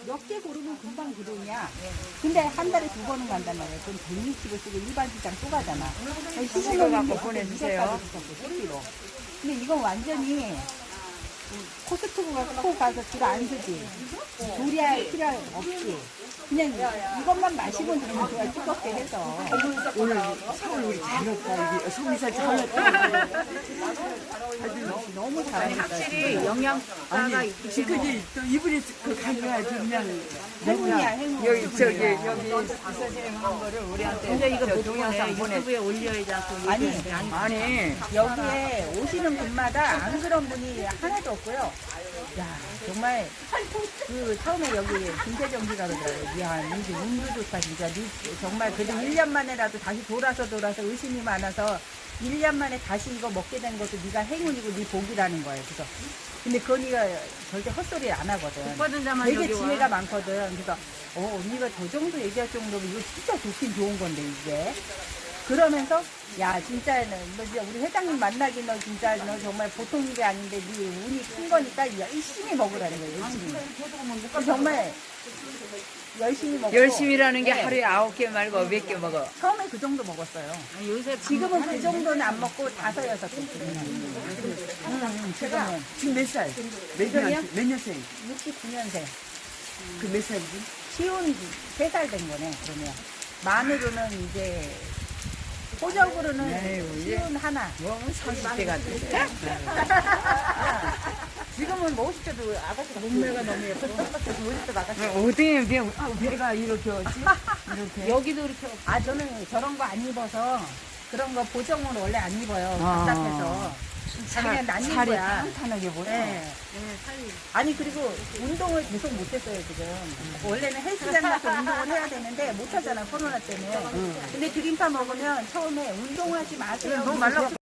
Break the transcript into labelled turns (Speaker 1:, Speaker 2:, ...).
Speaker 1: 몇 개 고르면 금방 그러냐. 근데 한 달에 2번은 간단 말이야. 그럼 160을 쓰고 일반 시장 또 가잖아.
Speaker 2: 이거 갖고 보내주세요.
Speaker 1: 10kg. 근데 이건 완전히 코스트코가 코 가서 줄 안 쓰지. 조리할 필요 없지. 그냥 이것만 마시면 되는 거야. 뜨겁게 해서.
Speaker 2: 오늘 사원 우리 잘했다. 여기 소미살 잘했다.
Speaker 1: 너무 잘하겠다.
Speaker 3: 확실히 영양가가 있기 때문에.
Speaker 2: 지금이 또 이분이 그 가져야지 그냥
Speaker 1: 행운이야, 행운.
Speaker 2: 여기 선생님 한 거를 우리한테
Speaker 3: 근데 이거 못
Speaker 2: 동영상
Speaker 3: 보내. 유튜브에 올려야지 않고
Speaker 1: 아니,
Speaker 3: 얘기하는데 아니.
Speaker 2: 아니
Speaker 1: 여기에 오시는 분마다 안 그런 분이 하나도 없고요. 야, 정말 그 처음에 여기 김태정기가 그러더라고요. 야, 이게 운도 좋다 진짜. 정말 그래도 1년 만에라도 다시 돌아서 의심이 많아서 1년 만에 다시 이거 먹게 된 것도 네가 행운이고 네 복이라는 거예요. 그래서 근데 그 언니가 절대 헛소리를 안 하거든.
Speaker 3: 받은 자만
Speaker 1: 되게
Speaker 3: 여기
Speaker 1: 지혜가
Speaker 3: 와.
Speaker 1: 많거든. 그래서 언니가 저 정도 얘기할 정도면 이거 진짜 좋긴 좋은 건데 이게. 그러면서 야 진짜 너 진짜 우리 회장님 만나기 너 진짜 너 정말 보통 일이 아닌데 네 운이 큰 거니까 열심히 먹으라는 거예요. 열심히. 정말 열심히 먹고.
Speaker 2: 열심히라는 게
Speaker 1: 네.
Speaker 2: 하루에 9개 말고 몇 개 먹어.
Speaker 1: 처음에 그 정도 먹었어요.
Speaker 3: 아니, 요새
Speaker 1: 지금은 그 정도는 안 먹고 5, 6개 지금은
Speaker 2: 지금 몇 살?
Speaker 1: 지금이요?
Speaker 2: 몇 년생?
Speaker 1: 69년생.
Speaker 2: 그 몇 살이지?
Speaker 1: 쉬운 3살 된 거네. 그러면 만으로는 이제 호적으로는
Speaker 2: 에휴,
Speaker 1: 쉬운 하나.
Speaker 2: 뭐 30대 같아.
Speaker 1: 지금은 뭐 50대도 아가씨가 몸매가 너무 예뻐. 50대도 아가씨.
Speaker 2: 어떻게 배가 이렇게 왔지? 이렇게.
Speaker 3: 여기도 이렇게
Speaker 1: 아 저는 저런 거 안 입어서 그런 거 보정은 원래 안 입어요.
Speaker 2: 아.
Speaker 1: 답답해서. 그냥 난입
Speaker 2: 살이
Speaker 1: 거야.
Speaker 2: 탄탄하게 보여.
Speaker 1: 네. 아니 그리고 운동을 계속 못했어요 지금. 원래는 헬스장 가서 운동을 해야 되는데 못하잖아 코로나 때문에. 근데 드림파 먹으면 처음에 운동하지 마세요.
Speaker 2: 너무 말라.